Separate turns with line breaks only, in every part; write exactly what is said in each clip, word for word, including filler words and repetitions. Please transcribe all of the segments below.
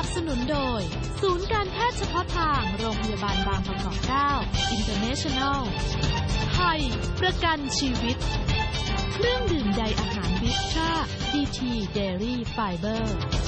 นับสนุนโดยศูนย์การแพทย์เฉพาะทางโรงพยาบาลบางประกอบเก้า International ไทยประกันชีวิตเครื่องดื่มใยอาหารวิตรา ดี ที Dairy Fiber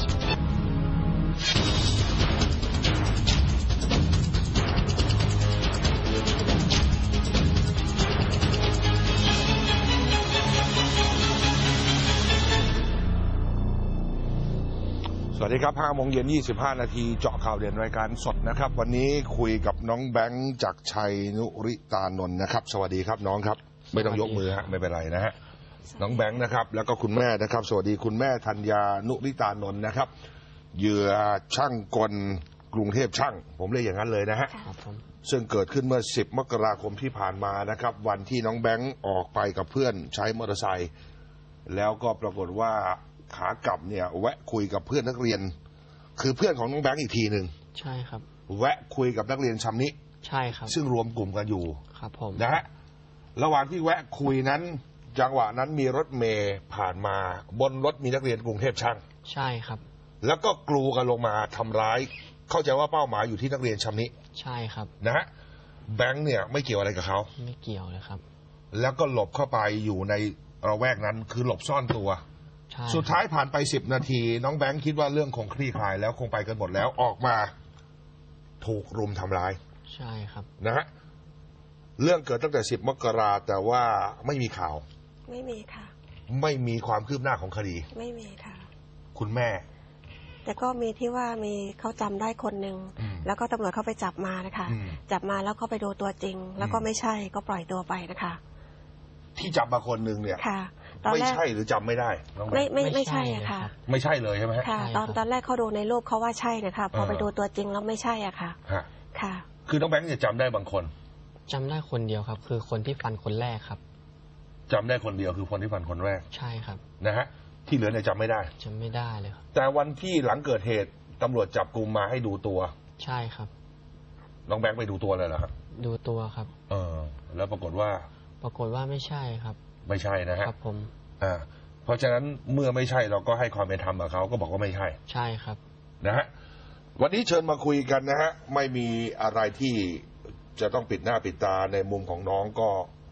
สวัสดีครับห้าโมงเย็นยี่สิบห้านาทีเจาะข่าวเด่นรายการสดนะครับวันนี้คุยกับน้องแบงค์จากชัยนุริตานนท์นะครับสวัสดีครับน้องครับไม่ต้องยกมือฮะไม่เป็นไรนะฮะน้องแบงค์นะครับแล้วก็คุณแม่นะครับสวัสดีคุณแม่ธัญญานุริตานนท์นะครับเหยื่อช่างกลกรุงเทพช่างผมเรียกอย่างนั้นเลยนะฮะซึ่งเกิดขึ้นเมื่อสิบมกราคมที่ผ่านมานะครับวันที่น้องแบงค์ออกไปกับเพื่อนใช้มอเตอร์ไซค์แล้วก็ปรากฏว่าขากลับเนี่ยแวะคุยกับเพื่อนนักเรียนคือเพื่อนของน้องแบงค์อีกทีหนึ่ง
ใช่ครับ
แวะคุยกับนักเรียนชำนิ
ใช่ครับ
ซึ่งรวมกลุ่มกันอยู่
ครับผม
นะฮะระหว่างที่แวะคุยนั้นจังหวะนั้นมีรถเมล์ผ่านมาบนรถมีนักเรียนกรุงเทพช่าง
ใช่ครับ
แล้วก็กลูกันลงมาทำร้ายเข้าใจว่าเป้าหมายอยู่ที่นักเรียนชำนิ
ใช่ครับ
นะฮะแบงค์เนี่ยไม่เกี่ยวอะไรกับเขา
ไม่เกี่ยวเลยครับ
แล้วก็หลบเข้าไปอยู่ในระแวกนั้นคือหลบซ่อนตัวสุดท้ายผ่านไปสิบนาทีน้องแบงค์คิดว่าเรื่องคงคลี่คลายแล้วคงไปกันหมดแล้วออกมาถูกรุมทำร้าย
ใช่ครับ
นะฮะเรื่องเกิดตั้งแต่สิบมกราแต่ว่าไม่มีข่าว
ไม่มีค่ะ
ไม่มีความคืบหน้าของคดี
ไม่มีค่ะ
คุณแม่
แต่ก็มีที่ว่ามีเขาจำได้คนหนึ่งแล้วก็ตำรวจเข้าไปจับมานะคะจับมาแล้วเขาไปดูตัวจริงแล้วก็ไม่ใช่ก็ปล่อยตัวไปนะคะ
ที่จับมาคนหนึ่งเนี่ย
ค่ะ
ไม่ใช่หรือจำไม่ได้
ไม่ไม่ไม่ใช่อะค่ะ
ไม่ใช่เลยใช่ไหม
ค่ะตอนตอนแรกเขาดูในรูปเขาว่าใช่นะคะพอไปดูตัวจริงแล้วไม่ใช่อ่ะค่ะค่ะ
คือน้องแบงค์เนี่ยจำได้บางคน
จำได้คนเดียวครับคือคนที่ฟันคนแรกครับ
จำได้คนเดียวคือคนที่ฟันคนแรก
ใช่ครับ
นะฮะที่เหลือเนี่ยจำไม่ได้
จำไม่ได้เลยครับ
แต่วันที่หลังเกิดเหตุตำรวจจับกุมมาให้ดูตัว
ใช่ครับ
น้องแบงค์ไปดูตัวเลยเหรอครับ
ดูตัวครับ
เออแล้วปรากฏว่า
ปรากฏว่าไม่ใช่ครับ
ไม่ใช่นะฮะ
ครับผม
อ่าเพราะฉะนั้นเมื่อไม่ใช่เราก็ให้ความเป็นธรรมกับเขาก็บอกว่าไม่ใช่
ใช่ครับ
นะฮะวันนี้เชิญมาคุยกันนะฮะไม่มีอะไรที่จะต้องปิดหน้าปิดตาในมุมของน้องก็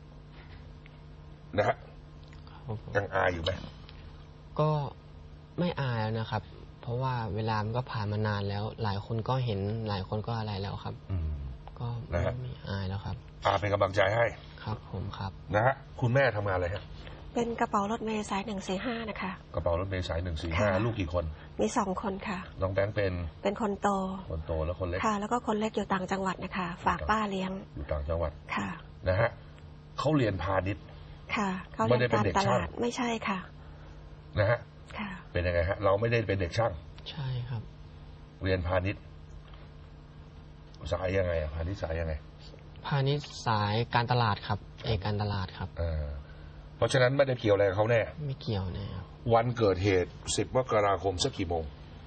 นะฮะยังอายอยู่ไหม
ก็ไม่อายนะครับ เพราะว่าเวลามันก็ผ่านมานานแล้วหลายคนก็เห็นหลายคนก็อะไรแล้วครับก็ไม่อายแล้วครับ
อาเป็นกำลังใจให้
ครับผมครับ
นะฮะคุณแม่ทำงานอะไรฮะ
เป็นกระเป๋ารถเมล์สายหนึ่งสี่ห้านะคะ
กระเป๋ารถเมล์สายหนึ่งสี่ห้าลูกกี่คน
มีสองคนค่ะ
น้องแบงค์เป็น
เป็นคนโต
คนโตแล้วคนเล็ก
ค่ะแล้วก็คนเล็กอยู่ต่างจังหวัดนะคะฝากป้าเลี้ยง
อยู่ต่างจังหวัด
ค่ะ
นะฮะเขาเรียนพาณิชย์
ค่ะเขาเรียนการตลาดไม่ใช่ค่ะ
นะฮะ
ค่ะ
เป็นยังไงฮะเราไม่ได้เป็นเด็กช่าง
ใช่ครับ
เรียนพาณิชย์สายยังไงพาณิชย์สายยังไง
พาณิชย์สายการตลาดครับเอกการตลาดครับ
เออเพราะฉะนั้นไม่ได้เกี่ยวอะไรกับเขาแน่
ไม่เกี่ยวแน่
วันเกิดเหตุสิบมกราคมสักกี่โมง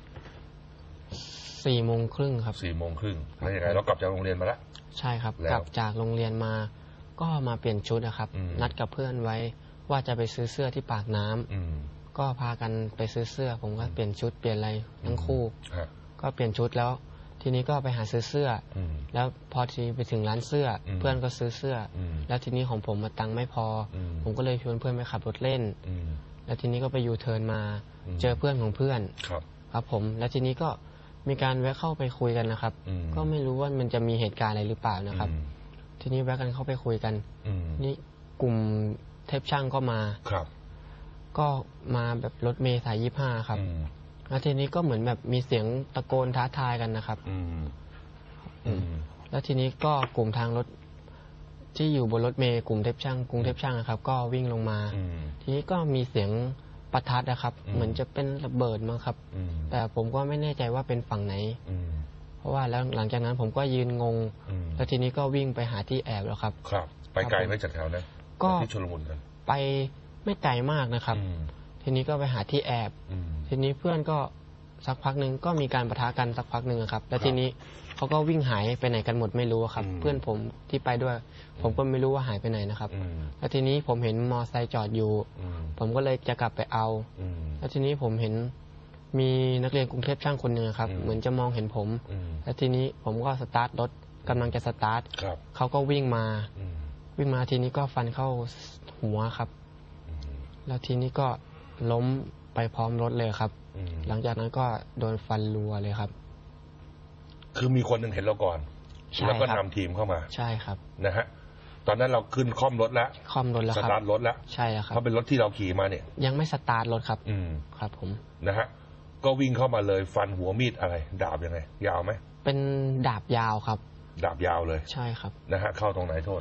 สี่โมงครึ่งครับ
สี่โมงครึ่งแล้วยังไงเรากลับจากโรงเรียนมาแล้ว
ใช่ครับกลับจากโรงเรียนมาก็มาเปลี่ยนชุดนะครับนัดกับเพื่อนไว้ว่าจะไปซื้อเสื้อที่ปากน้ำก็พากันไปซื้อเสื้อผมก็เปลี่ยนชุดเปลี่ยนอะไรทั้งคู่ก็เปลี่ยนชุดแล้วทีนี้ก็ไปหาซื้อเสื้อแล้วพอทีไปถึงร้านเสื้อเพื่อนก็ซื้อเสื้อแล้วทีนี้ของผมมาตังค์ไม่พอผมก็เลยชวนเพื่อนไปขับรถเล่นแล้วทีนี้ก็ไปยูเทิร์นมาเจอเพื่อนของเพื่อนครับผมแล้วทีนี้ก็มีการแวะเข้าไปคุยกันนะครับก็ไม่รู้ว่ามันจะมีเหตุการณ์อะไรหรือเปล่านะครับทีนี้แวะกันเข้าไปคุยกันนี่กลุ่มเทพช่างก็มาก็มาแบบรถเมล์สายยี่ห้าครับแล้วทีนี้ก็เหมือนแบบมีเสียงตะโกนท้าทายกันนะครับแล้วทีนี้ก็กลุ่มทางรถที่อยู่บนรถเมล์กลุ่มเทพช่างกรุงเทพช่างนะครับก็วิ่งลงมาทีนี้ก็มีเสียงประทัดนะครับเหมือนจะเป็นระเบิดมั้งครับแต่ผมก็ไม่แน่ใจว่าเป็นฝั่งไหนเพราะว่าแล้วหลังจากนั้นผมก็ยืนงงแล้วทีนี้ก็วิ่งไปหาที่แอบแล้วครับ
ครับไปไกลไหมจากแถวนั้นก็ที่ชลบุรีกัน
ไปไม่ไกลมากนะครับทีนี้ก็ไปหาที่แอบทีนี้เพื่อนก็สักพักหนึ่งก็มีการปะทะกันสักพักหนึ่งครับแล้วทีนี้เขาก็วิ่งหายไปไหนกันหมดไม่รู้ครับเพื่อนผมที่ไปด้วยผมก็ไม่รู้ว่าหายไปไหนนะครับแล้วทีนี้ผมเห็นมอไซค์จอดอยู่ผมก็เลยจะกลับไปเอาแล้วทีนี้ผมเห็นมีนักเรียนกรุงเทพช่างคนหนึ่งครับเหมือนจะมองเห็นผมแล้วทีนี้ผมก็สตาร์ทรถกำลังจะสตาร์ทเขาก็วิ่งมาวิ่งมาทีนี้ก็ฟันเข้าหัวครับแล้วทีนี้ก็ล้มไปพร้อมรถเลยครับหลังจากนั้นก็โดนฟันรัวเลยครับ
คือมีคนหนึ่งเห็นเราก่อนแล้วก็นำทีมเข้ามา
ใช่ครับ
นะฮะตอนนั้นเราขึ้นคล่อมรถแล้ว
คล่อมรถแล้วครับ
สตาร์ทรถแล้ว
ใช่ครับ
เพราะเป็นรถที่เราขี่มาเนี่ย
ยังไม่สตาร์ทรถครับอืมครับผม
นะฮะก็วิ่งเข้ามาเลยฟันหัวมีดอะไรดาบยังไงยาวไหม
เป็นดาบยาวครับ
ดาบยาวเลย
ใช่ครับ
นะฮะเข้าตรงไหนโทษ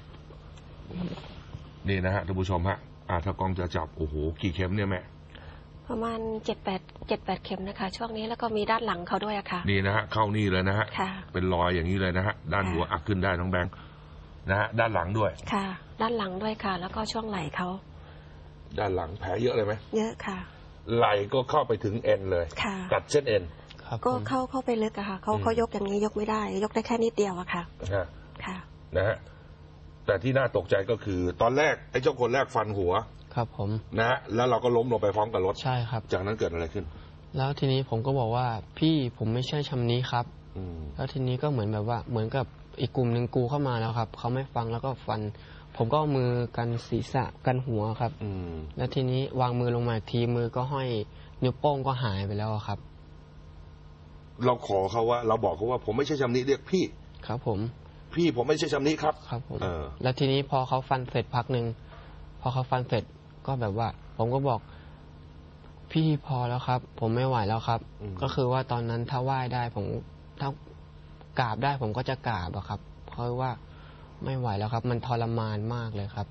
นี่นะฮะท่านผู้ชมฮะอ่าถ้ากล้องจะจับโอ้โหกี่เข็มเนี่ยแม่
ประมาณเจ็ดแปดเจ็ดแปดเข็มนะคะช่วงนี้แล้วก็มีด้านหลังเขาด้วยอะค่ะ
นี่นะฮะเข้านี่เลยนะฮะเป็นรอยอย่างนี้เลยนะฮะด้านหัวอักขึ้นได้น้องแบงค์นะฮะด้านหลังด้วย
ค่ะด้านหลังด้วยค่ะแล้วก็ช่วงไหล่เขา
ด้านหลังแผลเยอะเลยไหม
เยอะค่ะ
ไหล่ก็เข้าไปถึงเอ็นเลย
ค่ะ
ตัดเส้นเอ็น
ก็เข้าเข้าไปลึกอะค่ะเขาเขายกอย่างนี้ยกไม่ได้ยกได้แค่นิดเดียวอะค่ะค่ะ
นะฮะแต่ที่น่าตกใจก็คือตอนแรกไอ้เจ้าคนแรกฟันหัว
ครับผม
นะฮะแล้วเราก็ล้มลงไปพร้อมกับรถ
ใช่ครับ
จากนั้นเกิดอะไรขึ้น
แล้วทีนี้ผมก็บอกว่าพี่ผมไม่ใช่ชำนี้ครับแล้วทีนี้ก็เหมือนแบบว่าเหมือนกับอีกกลุ่มหนึ่งกูเข้ามาแล้วครับเขาไม่ฟังแล้วก็ฟันผมก็มือกันศีรษะกันหัวครับแล้วทีนี้วางมือลงมาทีมือก็ห้อยนิ้วโป้งก็หายไปแล้วครับ
เราขอเขาว่าเราบอกเขาว่าผมไม่ใช่ชำนี้เรียกพี่
ครับผม
พี่ผมไม่ใช่ชำนี้ครับ
ครับผมแล้วทีนี้พอเขาฟันเสร็จพักหนึ่งพอเขาฟันเสร็จก็แบบว่าผมก็บอกพี่พอแล้วครับผมไม่ไหวแล้วครับก็คือว่าตอนนั้นถ้าไหว้ได้ผมถ้ากราบได้ผมก็จะกราบอะครับเพราะว่าไม่ไหวแล้วครับมันทรมานมากเลยครับ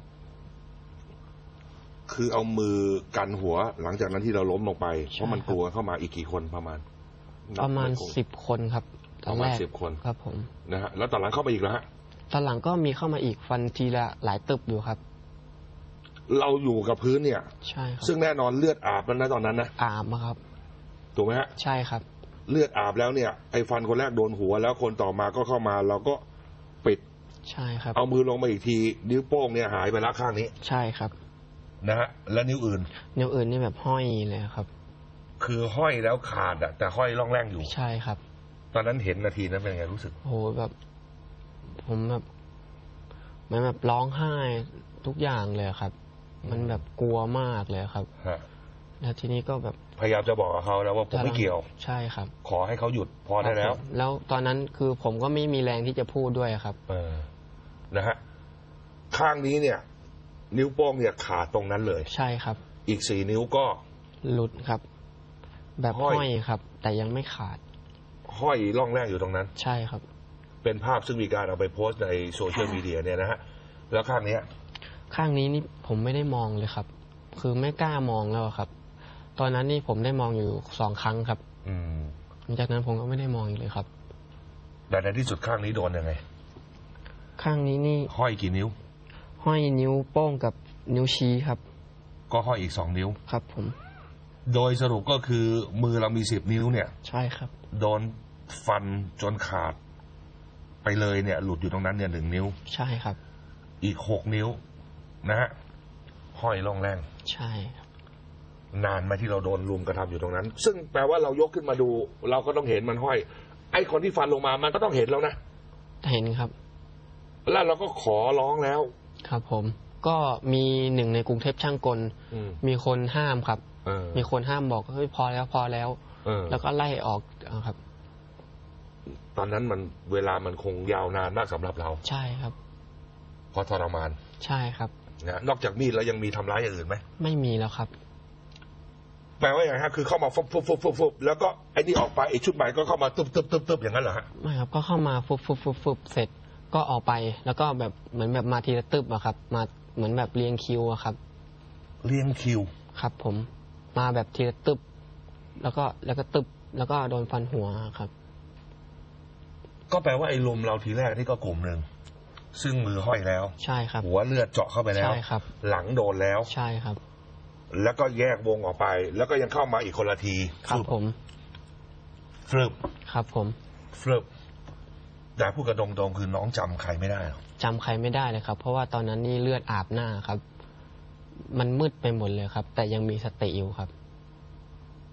คือเอามือกันหัวหลังจากนั้นที่เราล้มลงไปเพราะมันกลัวเข้ามาอีกกี่คนประมาณ
ประมาณสิบคนครับ
ประมาณสิบคน
ครับผม
นะฮะแล้วตอนหลังเข้ามาอีกแล้วฮะ
ตอนหลังก็มีเข้ามาอีกฟันทีละหลายตึบอยู่ครับ
เราอยู่กับพื้นเนี่ย
ใช่ครับ
ซึ่งแน่นอนเลือดอาบแล้วนะตอนนั้นนะ
อาบครับ
ถูกไหมฮะ
ใช่ครับ
เลือดอาบแล้วเนี่ยไอ้ฟันคนแรกโดนหัวแล้วคนต่อมาก็เข้ามาเราก็ปิด
ใช่ครับ
เอามือลงมาอีกทีนิ้วโป้งเนี่ยหายไปแล้วข้างนี้
ใช่ครับ
นะฮะแล้วนิ้วอื่น
นิ้วอื่นนี่แบบห้อยเลยครับ
คือห้อยแล้วขาดอะแต่ห้อยร่องแรงอยู่
ใช่ครับ
ตอนนั้นเห็นนาทีนั้นเป็นไงรู้สึก
โหแบบผมแบบมันแบบร้องไห้ทุกอย่างเลยครับมันแบบกลัวมากเลยครับแล้วทีนี้ก็แบบ
พยายามจะบอกกับเขาแล้วว่าผมไม่เกี่ยว
ใช่ครับ
ขอให้เขาหยุดพอได้แล้ว
แล้วตอนนั้นคือผมก็ไม่มีแรงที่จะพูดด้วยครับ
เออนะฮะข้างนี้เนี่ยนิ้วโป้งเนี่ยขาดตรงนั้นเลย
ใช่ครับ
อีกสี่นิ้วก็
หลุดครับแบบห้อยครับแต่ยังไม่ขาด
ห้อยร่องแรกอยู่ตรงนั้น
ใช่ครับ
เป็นภาพซึ่งมีการเอาไปโพสต์ในโซเชียลมีเดียเนี่ยนะฮะแล้วข้างนี้
ข้างนี้นี่ผมไม่ได้มองเลยครับคือไม่กล้ามองแล้วครับตอนนั้นนี่ผมได้มองอยู่สองครั้งครับอืมหลังจากนั้นผมก็ไม่ได้มองอีกเลยครับ
แต่ในที่สุดข้างนี้โดนยังไง
ข้างนี้นี่
ห้อยกี่นิ้ว
ห้อยนิ้วโป้งกับนิ้วชี้ครับ
ก็ห้อยอีกสองนิ้ว
ครับผม
โดยสรุปก็คือมือเรามีสิบนิ้วเนี่ย
ใช่ครับ
โดนฟันจนขาดไปเลยเนี่ยหลุดอยู่ตรงนั้นเนี่ยหนึ่งนิ้ว
ใช่ครับ
อีกหกนิ้วนะฮะห้อยร่องแรง
ใช่ครับ
นานไหมที่เราโดนลุมกระทำอยู่ตรงนั้นซึ่งแปลว่าเรายกขึ้นมาดูเราก็ต้องเห็นมันห้อยไอ้คนที่ฟันลงมามันก็ต้องเห็นแล้วนะ
เห็นครับ
แล้วเราก็ขอร้องแล้ว
ครับผมก็มีหนึ่งในกรุงเทพช่างกลมีคนห้ามครับมีคนห้ามบอกเฮ้ยพอแล้วพอแล้วแล้วก็ไล่ออกครับ
ตอนนั้นมันเวลามันคงยาวนานมากสำหรับเรา
ใช่ครับ
เพราะทรมาน
ใช่ครับ
นะนอกจากมีดแล้วยังมีทำร้ายอย่างอื่นไหม
ไม่มีแล้วครับ
แปลว่าอย่างไรฮะคือเข้ามาฟุบฟุบฟุบฟุบฟุบแล้วก็ไอ้นี่ออกไปไอ้ชุดใหม่ก็เข้ามาตึบตึบตึบตึบอย่างนั้นเหรอฮะ
ไม่ครับก็เข้ามาฟุบฟุบฟุบฟุบเสร็จก็ออกไปแล้วก็แบบเหมือนแบบมาทีละตึบอะครับมาเหมือนแบบเรียงคิวอะครับ
เรียงคิว
ครับผมมาแบบทีละตึบแล้วก็แล้วก็ตึบแล้วก็โดนฟันหัวครับ
ก็แปลว่าไอ้ลมเราทีแรกนี่ก็กลุ่มหนึ่งซึ่งมือห้อยแล้ว
ใช่ครับ
หัวเลือดเจาะเข้าไปแล้ว
ใช่ครับ
หลังโดนแล้ว
ใช่ครับ
แล้วก็แยกวงออกไปแล้วก็ยังเข้ามาอีกคนละที
ครับผม
ฟลึบ
ครับผม
ฟลึบแต่พูดกระดงตรงคือน้องจำใครไม่ได้
จำใครไม่ได้เลยครับเพราะว่าตอนนั้นนี่เลือดอาบหน้าครับมันมืดไปหมดเลยครับแต่ยังมีสติอยู่ครับ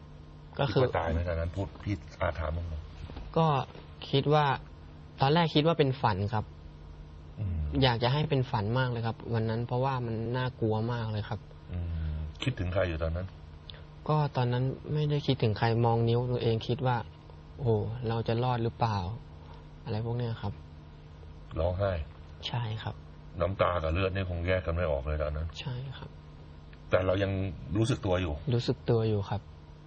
ก็คือ
ตายในตอนนั้นพูดพี่อาถามมึง
ก็คิดว่าตอนแรกคิดว่าเป็นฝันครับอยากจะให้เป็นฝันมากเลยครับวันนั้นเพราะว่ามันน่ากลัวมากเลยครับ
คิดถึงใครอยู่ตอนนั้น
ก็ตอนนั้นไม่ได้คิดถึงใครมองนิ้วตัวเองคิดว่าโอ้เราจะรอดหรือเปล่าอะไรพวกนี้ครับ
ร้องไห้
ใช่ครับ
น้ำตากับเลือดนี่คงแยกกันไม่ออกเลยตอนนั้น
ใช่ครับ
แต่เรายังรู้สึกตัวอยู่
รู้สึกตัวอยู่ครับ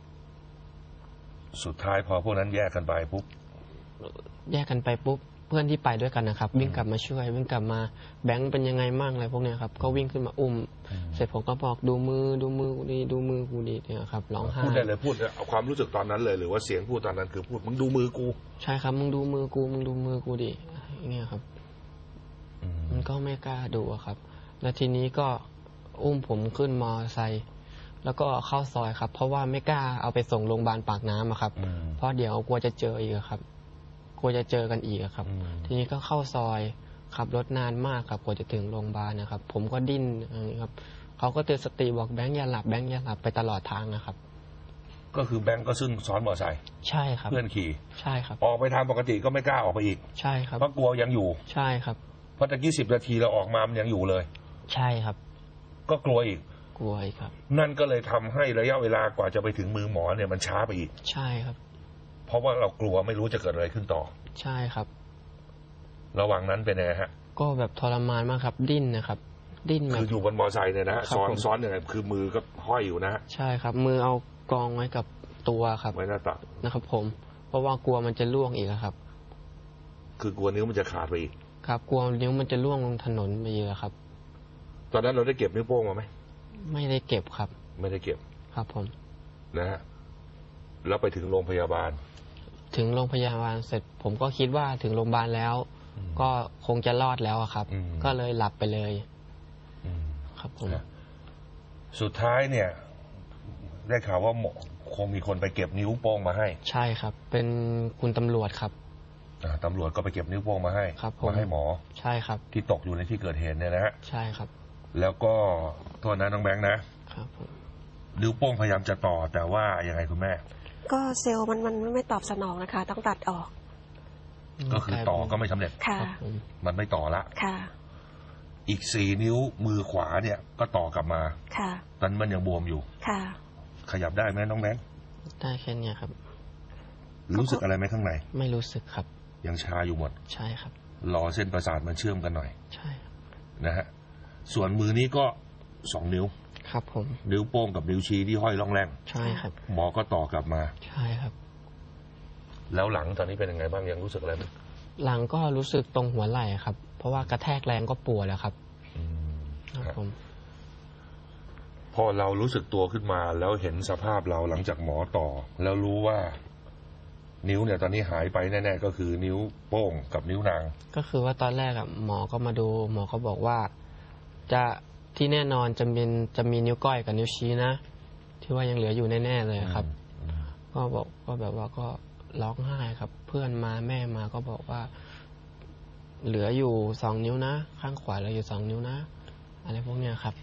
สุดท้ายพอพวกนั้นแยกกันไปปุ๊บ
แยกกันไปปุ๊บเพื่อนที่ไปด้วยกันนะครับวิ่งกลับมาช่วยวิ่งกลับมาแบงค์เป็นยังไงมั่งอะไรพวกนี้ครับก็วิ่งขึ้นมาอุ้มเสร็จผมก็บอกดูมือดูมือกูดีดูมือกูดีเนี่ยครับร้องไห้
พูดได้เลยพูดเอาความรู้สึกตอนนั้นเลยหรือว่าเสียงพูดตอนนั้นคือพูดมึงดูมือกู
ใช่ครับมึงดูมือกูมึงดูมือกูดิอย่างเงี้ยครับมันก็ไม่กล้าดูครับแล้วทีนี้ก็อุ้มผมขึ้นมอไซค์แล้วก็เข้าซอยครับเพราะว่าไม่กล้าเอาไปส่งโรงพยาบาลปากน้ำครับเพราะเดี๋ยวกลัวจะเจออีกครับกลัวจะเจอกันอีกครับทีนี้ก็เข้าซอยขับรถนานมากครับกว่าจะถึงโรงพยาบาลนะครับผมก็ดิ้นอย่างนี้ครับเขาก็เตือนสติบอกแบงค์อย่าหลับแบงค์อย่าหลับไปตลอดทางนะครับ
ก็คือแบงค์ก็ซึ่งซ้อนมอเตอร์ไซค์
ใช่ครับ
เพื่อนขี่
ใช่ครับ
ออกไปทางปกติก็ไม่กล้าออกไปอีก
ใช่ครับ
เพราะกลัวยังอยู่
ใช่ครับ
เพราะตะกี้สิบนาทีเราออกมามันยังอยู่เลย
ใช่ครับ
ก็กลัวอีก
กลัวอีกครับ
นั่นก็เลยทำให้ระยะเวลากว่าจะไปถึงมือหมอเนี่ยมันช้าไปอีก
ใช่ครับ
เพราะว่าเรากลัวไม่รู้จะเกิดอะไรขึ้นต่อ
ใช่ครับ
ระหว่างนั้นเป็นไงฮะ
ก็แบบทรมานมากครับดิ้นนะครับดิ้น
คืออยู่บนมอเตอร์ไซค์เนี่ยนะซ้อนซ้อนเนี่ยคือมือก็ห้อยอยู่นะ
ใช่ครับมือเอากองไว้กับตัวครับ
ไว้หน้าตัก
นะครับผมเพราะว่ากลัวมันจะล่วงอีกครับ
คือกลัวนิ้วมันจะขาดไปอีก
ครับกลัวนิ้วมันจะล่วงลงถนนไปเยอะครับ
ตอนนั้นเราได้เก็บนิ้วโป้งมาไหม
ไม่ได้เก็บครับ
ไม่ได้เก็บ
ครับผม
นะฮะแล้วไปถึงโรงพยาบาล
ถึงโรงพยาบาลเสร็จผมก็คิดว่าถึงโรงพยาบาลแล้วก็คงจะรอดแล้วครับก็เลยหลับไปเลยครับผม
สุดท้ายเนี่ยได้ข่าวว่าคงมีคนไปเก็บนิ้วโป้งมาให้
ใช่ครับเป็นคุณตำรวจครับ
ตำรวจก็ไปเก็บนิ้วโป้งมาให้มาให้หมอ
ใช่ครับ
ที่ตกอยู่ในที่เกิดเหตุเนี่ยนะฮะ
ใช่ครับ
แล้วก็โทษนะน้องแบงค์นะครับนิ้วโป้งพยายามจะต่อแต่ว่ายังไงคุณแม่
ก็เซลล์มันมันไม่ตอบสนองนะคะต้องตัดออก
ก็คือต่อก็ไม่สำเร็จ
ค่ะ
มันไม่ต่อละ
ค่ะ
อีกสี่นิ้วมือขวาเนี่ยก็ต่อกลับมา
ค่ะ
ตอนมันยังบวมอยู่
ค่ะ
ขยับได้ไหมน้องแบงค์
ได้แค่นี้ครับ
รู้สึกอะไรไหมข้างใน
ไม่รู้สึกครับ
ยังชาอยู่หมด
ใช่ครับ
รอเส้นประสาทมันเชื่อมกันหน่อย
ใช่
นะฮะส่วนมือนี้ก็สองนิ้ว
ครับผม
นิ้วโป้งกับนิ้วชี้ที่ห้อยร่องแรง
ใช่ครับ
หมอก็ต่อกลับมา
ใช่ครับ
แล้วหลังตอนนี้เป็นยังไงบ้างยังรู้สึกอะไรไหม
หลังก็รู้สึกตรงหัวไหล่ครับเพราะว่ากระแทกแรงก็ปวดแล้วครับ
ครับผมพอเรารู้สึกตัวขึ้นมาแล้วเห็นสภาพเราหลังจากหมอต่อแล้วรู้ว่านิ้วเนี่ยตอนนี้หายไปแน่ๆก็คือนิ้วโป้งกับนิ้วนาง
ก็คือว่าตอนแรกอ่ะหมอก็มาดูหมอก็บอกว่าจะที่แน่นอนจะมีจะมีนิ้วก้อยกับนิ้วชี้นะที่ว่ายังเหลืออยู่แน่ๆเลยครับก็บอกก็แบบว่าก็ร้องไห้ครับเพื่อนมาแม่มาก็บอกว่าเหลืออยู่สองนิ้วนะข้างขวาเหลืออยู่สองนิ้วนะอะไรพวกเนี้ยครับ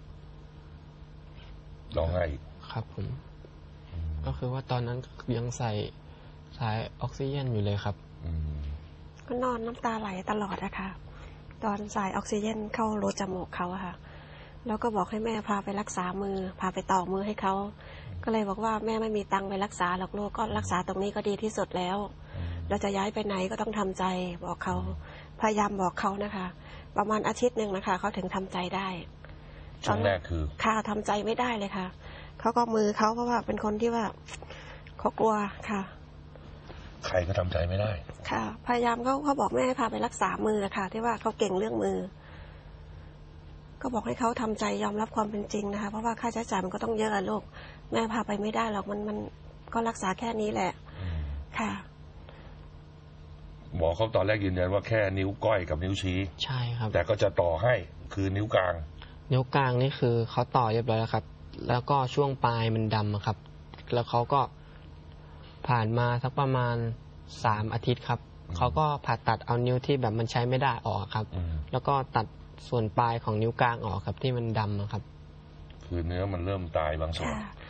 ร้องไห้
ครับผมก็คือว่าตอนนั้นยังใส่สายออกซิเจนอยู่เลยครับ
ก็นอนน้ำตาไหลตลอดนะคะตอนสายออกซิเจนเข้ารูจมูกเขาอะค่ะแล้วก็บอกให้แม่พาไปรักษามือพาไปต่อมือให้เขาก็เลยบอกว่าแม่ไม่มีตังค์ไปรักษาหรอกลูกก็รักษาตรงนี้ก็ดีที่สุดแล้วเราจะย้ายไปไหนก็ต้องทำใจบอกเขาพยายามบอกเขานะคะประมาณอาทิตย์หนึ่งนะคะเขาถึงทำใจได้
ช่วงแรกคือ
ค่ะทำใจไม่ได้เลยค่ะเขาก็มือเขาเพราะว่าเป็นคนที่ว่าเขากลัวค่ะ
ใครก็ทำใจไม่ได้
ค่ะพยายามเขาเขาบอกแม่ให้พาไปรักษามือค่ะที่ว่าเขาเก่งเรื่องมือก็บอกให้เขาทำใจยอมรับความเป็นจริงนะคะเพราะว่าค่าใช้จ่ายมันก็ต้องเยอะลูกแม่พาไปไม่ได้หรอกมันมันก็รักษาแค่นี้แหละค่ะ
หมอเขาตอนแรกยืนยันว่าแค่นิ้วก้อยกับนิ้วชี้
ใช่ครับ
แต่ก็จะต่อให้คือนิ้วกลาง
นิ้วกลางนี่คือเขาต่อเรียบร้อยแล้วครับแล้วก็ช่วงปลายมันดำครับแล้วเขาก็ผ่านมาสักประมาณสามอาทิตย์ครับเขาก็ผ่าตัดเอานิ้วที่แบบมันใช้ไม่ได้ออกครับแล้วก็ตัดส่วนปลายของนิ้วกลางออกครับที่มันดำครับ
คือเนื้อมันเริ่มตายบางส่วน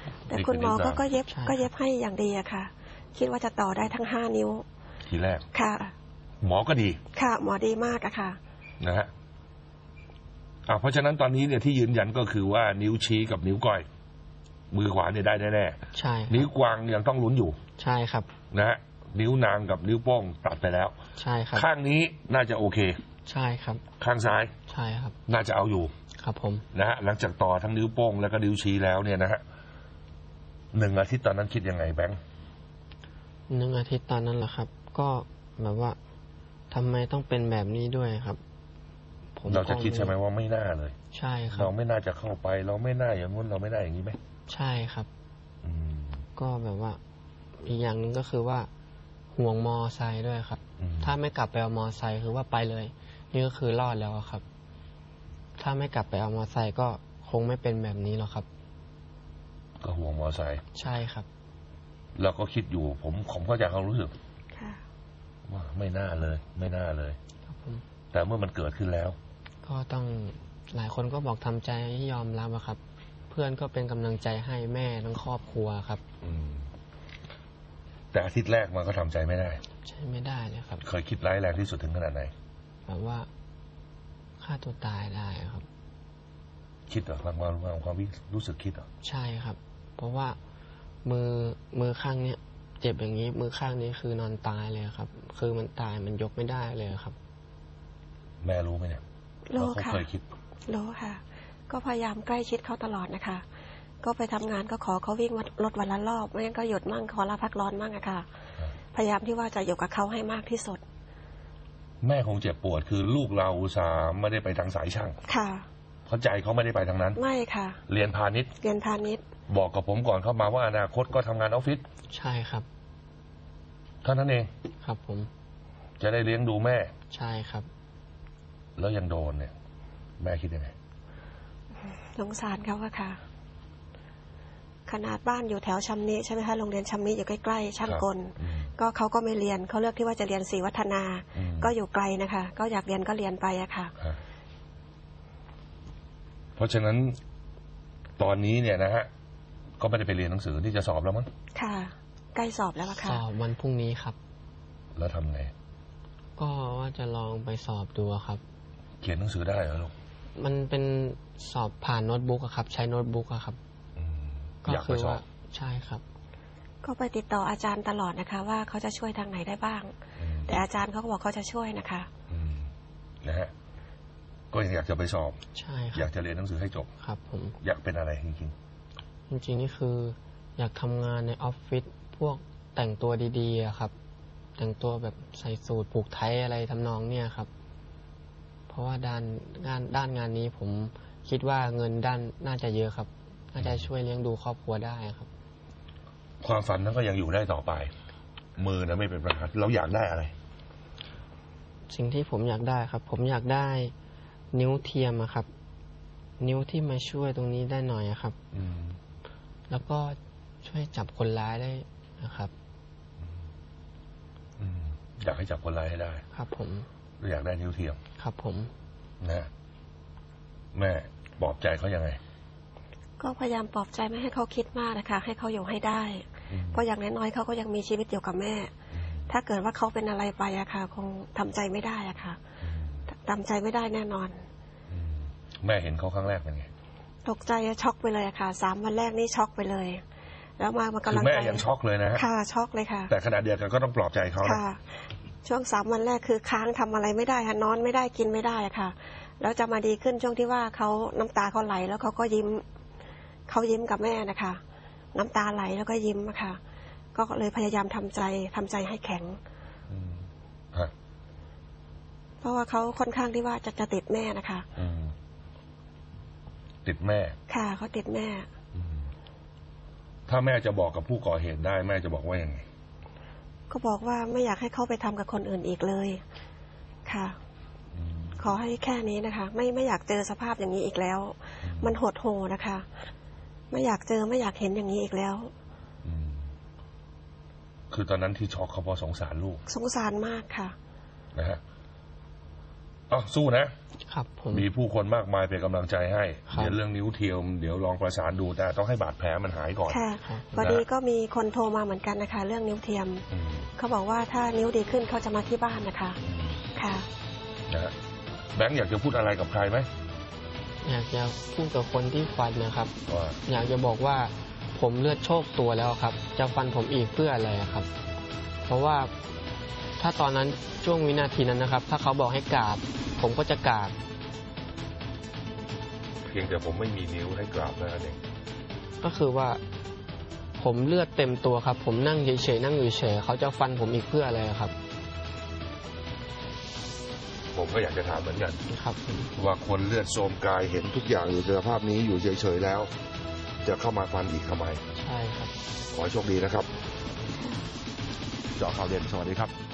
แต่คุณหมอเขาก็เย็บก็เย็บให้อย่างดีอะค่ะคิดว่าจะต่อได้ทั้งห้านิ้ว
ทีแรก
ค่ะ
หมอก็ดี
ค่ะหมอดีมากอะค่ะ
นะฮะอ่าเพราะฉะนั้นตอนนี้เนี่ยที่ยืนยันก็คือว่านิ้วชี้กับนิ้วก้อยมือขวาเนี่ยได้แน่ๆ
ใช่
นิ้วกวางยังต้องลุ้นอยู่
ใช่ครับ
นะฮะนิ้วนางกับนิ้วโป้งตัดไปแล้ว
ใช่ครับ
ข้างนี้น่าจะโอเค
ใช่ครับ
ข้างซ้าย
ใช่ครับ
น่าจะเอาอยู่
ครับผม
นะฮะหลังจากต่อทั้งนิ้วโป้งแล้วก็นิ้วชี้แล้วเนี่ยนะฮะหนึ่งอาทิตย์ตอนนั้นคิดยังไงแบงค์
หนึ่งอาทิตย์ตอนนั้นแหละครับก็แบบว่าทำไมต้องเป็นแบบนี้ด้วยครับ
ผมเราจะคิดใช่ไหมว่าไม่น่าเลย
ใช่ครับ
เราไม่น่าจะเข้าไปเราไม่น่าอย่างนู้นเราไม่น่าอย่างนี้ไหม
ใช่ครับก็แบบว่าอีกอย่างหนึ่งก็คือว่าห่วงมอไซค์ด้วยครับถ้าไม่กลับไปเอามอไซค์คือว่าไปเลยนี่ก็คือรอดแล้วครับถ้าไม่กลับไปเอามอไซค์ก็คงไม่เป็นแบบนี้หรอกครับ
ก็ห่วงมอไซค์
ใช่ครับ
เราก็คิดอยู่ผมผมเข้าใจเขารู้สึกว่าไม่น่าเลยไม่น่าเลยแต่เมื่อมันเกิดขึ้นแล้ว
ก็ต้องหลายคนก็บอกทำใจให้ยอมรับครับเพื่อนก็เป็นกำลังใจให้แม่ทั้งครอบครัวครับ
แต่อาทิตย์แรกมันก็ทำใจไม่ได้
ใช่ไม่ได้เลยครับ
เคยคิดร้ายแรงที่สุดถึงขนาดไหน
แบบว่าฆ่าตัวตายได้ครับ
คิดเหรอความความความรู้สึกคิดเหรอ
ใช่ครับเพราะว่ามือมือข้างเนี้ยเจ็บอย่างนี้มือข้างนี้คือนอนตายเลยครับคือมันตายมันยกไม่ได้เลยครับ
แม่รู้ไหมเนี่ย
รู้ค่ะ
เคยคิด
รู้ค่ะก็พยายามใกล้ชิดเขาตลอดนะคะก็ไปทำงานก็ขอเขาวิ่งรถวันละรอบไม่งั้นก็หยุดมั่งขอลาพักร้อนมั่งอะค่ะพยายามที่ว่าจะอยู่กับเขาให้มากที่สุด
แม่คงเจ็บปวดคือลูกเราอุตส่าห์ไม่ได้ไปทางสายช่าง
ค่ะ
เพราะใจเขาไม่ได้ไปทางนั้น
ไม่ค่ะ
เรียนพาณิชย์
เรียนพาณิชย์
บอกกับผมก่อนเข้ามาว่าอนาคตก็ทำงานออฟฟิศ
ใช่ครับ
เท่านั้นเอง
ครับผม
จะได้เลี้ยงดูแม่
ใช่ครับ
แล้วยังโดนเนี่ยแม่คิดยังไง
สงสารเขาอะค่ะขนาดบ้านอยู่แถวชำนิใช่ไหมคะโรงเรียนชำนิอยู่ใกล้ๆช่างกลก็เขาก็ไม่เรียนเขาเลือกที่ว่าจะเรียนศรีวัฒนาก็อยู่ไกลนะคะก็อยากเรียนก็เรียนไปอะค่ะ
เพราะฉะนั้นตอนนี้เนี่ยนะฮะก็ไม่ได้ไปเรียนหนังสือที่จะสอบแล้วมั้ง
ค่ะใกล้สอบแล้วค่ะ
สอบวันพรุ่งนี้ครับ
แล้วทำไง
ก็ว่าจะลองไปสอบดูครับ
เขียนหนังสือได้เหรอลูก
มันเป็นสอบผ่านโน้ตบุ๊กครับใช้โน้ตบุ๊กครับ
ก็คือว่า
ใช่ครับ
ก็ไปติดต่ออาจารย์ตลอดนะคะว่าเขาจะช่วยทางไหนได้บ้างแต่อาจารย์เขาก็บอกเขาจะช่วยนะคะ
นะฮะก็อยากจะไปสอบ
ใช่
อยากจะเรียนหนังสือให้จบ
ครับผม
อยากเป็นอะไรจริง
ๆจริงๆนี่คืออยากทำงานในออฟฟิศพวกแต่งตัวดีๆครับแต่งตัวแบบใส่สูทผูกไทยอะไรทำนองเนี่ยครับเพราะว่าด้านงานด้านงานนี้ผมคิดว่าเงินด้านน่าจะเยอะครับน่าจะช่วยเลี้ยงดูครอบครัวได้ครับ
ความฝันนั้นก็ยังอยู่ได้ต่อไปมือนะไม่เป็นปัญหาเราอยากได้อะไร
สิ่งที่ผมอยากได้ครับผมอยากได้นิ้วเทียมครับนิ้วที่มาช่วยตรงนี้ได้หน่อยครับแล้วก็ช่วยจับคนร้ายได้นะครับ
อยากให้จับคนร้ายให้ได้
ครับผม
อยากได้นิ้วเทียม
ครับผม
นะแม่ปลอบใจเขายังไง
ก็พยายามปลอบใจไม่ให้เขาคิดมากนะคะให้เขาอยู่ให้ได้เพราะอย่างน้อยๆเขาก็ยังมีชีวิตอยู่กับแม่ถ้าเกิดว่าเขาเป็นอะไรไปอะค่ะคงทำใจไม่ได้อะค่ะทำใจไม่ได้แน่นอน
แม่เห็นเขาครั้งแรกเป็นไง
ตกใจช็อกไปเลยอะค่ะสามวันแรกนี่ช็อกไปเลยแล้วมามากำลังใจ
แม่ยังช็อกเลยนะ
ค่ะช็อกเลยค่ะ
แต่ขณะเดียวกันก็ต้องปลอบใจเขา
ค่ะช่วงสามวันแรกคือค้างทำอะไรไม่ได้ค่ะนอนไม่ได้กินไม่ได้ค่ะแล้วจะมาดีขึ้นช่วงที่ว่าเขาน้ำตาเขาไหลแล้วเขาก็ยิ้มเขายิ้มกับแม่นะคะน้ำตาไหลแล้วก็ยิ้มค่ะก็เลยพยายามทำใจทำใจให้แข็งเพราะว่าเขาค่อนข้างที่ว่าจะจะติดแม่นะคะ
ติดแม่
ค่ะเขาติดแม่
ถ้าแม่จะบอกกับผู้ก่อเหตุได้แม่จะบอกว่ายังไง
ก็บอกว่าไม่อยากให้เขาไปทำกับคนอื่นอีกเลยค่ะขอให้แค่นี้นะคะไม่ไม่อยากเจอสภาพอย่างนี้อีกแล้วมันหดหู่นะคะไม่อยากเจอไม่อยากเห็นอย่างนี้อีกแล้ว
คือตอนนั้นที่ช็อกเขาเพราะสงสารลูก
สงสารมากค่ะ
นะฮะอ๋อสู้นะครับ
ผม
มีผู้คนมากมายเป็นกำลังใจให้
ครับ
เดี๋ยวเรื่องนิ้วเทียมเดี๋ยวลองประสานดูแต่ต้องให้บาดแผลมันหายก่อน
ค่ะพอดีก็มีคนโทรมาเหมือนกันนะคะ เรื่องนิ้วเทียม
อืม
เขาบอกว่าถ้านิ้วดีขึ้นเขาจะมาที่บ้านนะคะ
อืม
ค่ะ
นะฮะแบงค์อยากจะพูดอะไรกับใครไหม
อยากจะพูดกับคนที่ฟันนะครับ
ว่า
อยากจะบอกว่าผมเลือดโชคตัวแล้วครับ จะฟันผมอีกเพื่ออะไรครับ เพราะว่าถ้าตอนนั้นช่วงวินาทีนั้นนะครับ ถ้าเขาบอกให้กราบ ผมก็จะกราบ
เพียงแต่ผมไม่มีนิ้วให้กราบนั่นเอง
ก็คือว่าผมเลือดเต็มตัวครับ ผมนั่งเฉยๆนั่งอยู่เฉยเขาจะฟันผมอีกเพื่ออะไรครับ
ผมก็อยากจะถามเหมือนกัน
ครับ
ว่าคนเลือดโทรมกายเห็นทุกอย่างอยู่ในสภาพนี้อยู่เฉยๆแล้ว จะเข้ามาฟันอีกทำไม
ใช่ครับ
ขอให้โชคดีนะครับเจาะข่าวเด่นสวัสดีครับ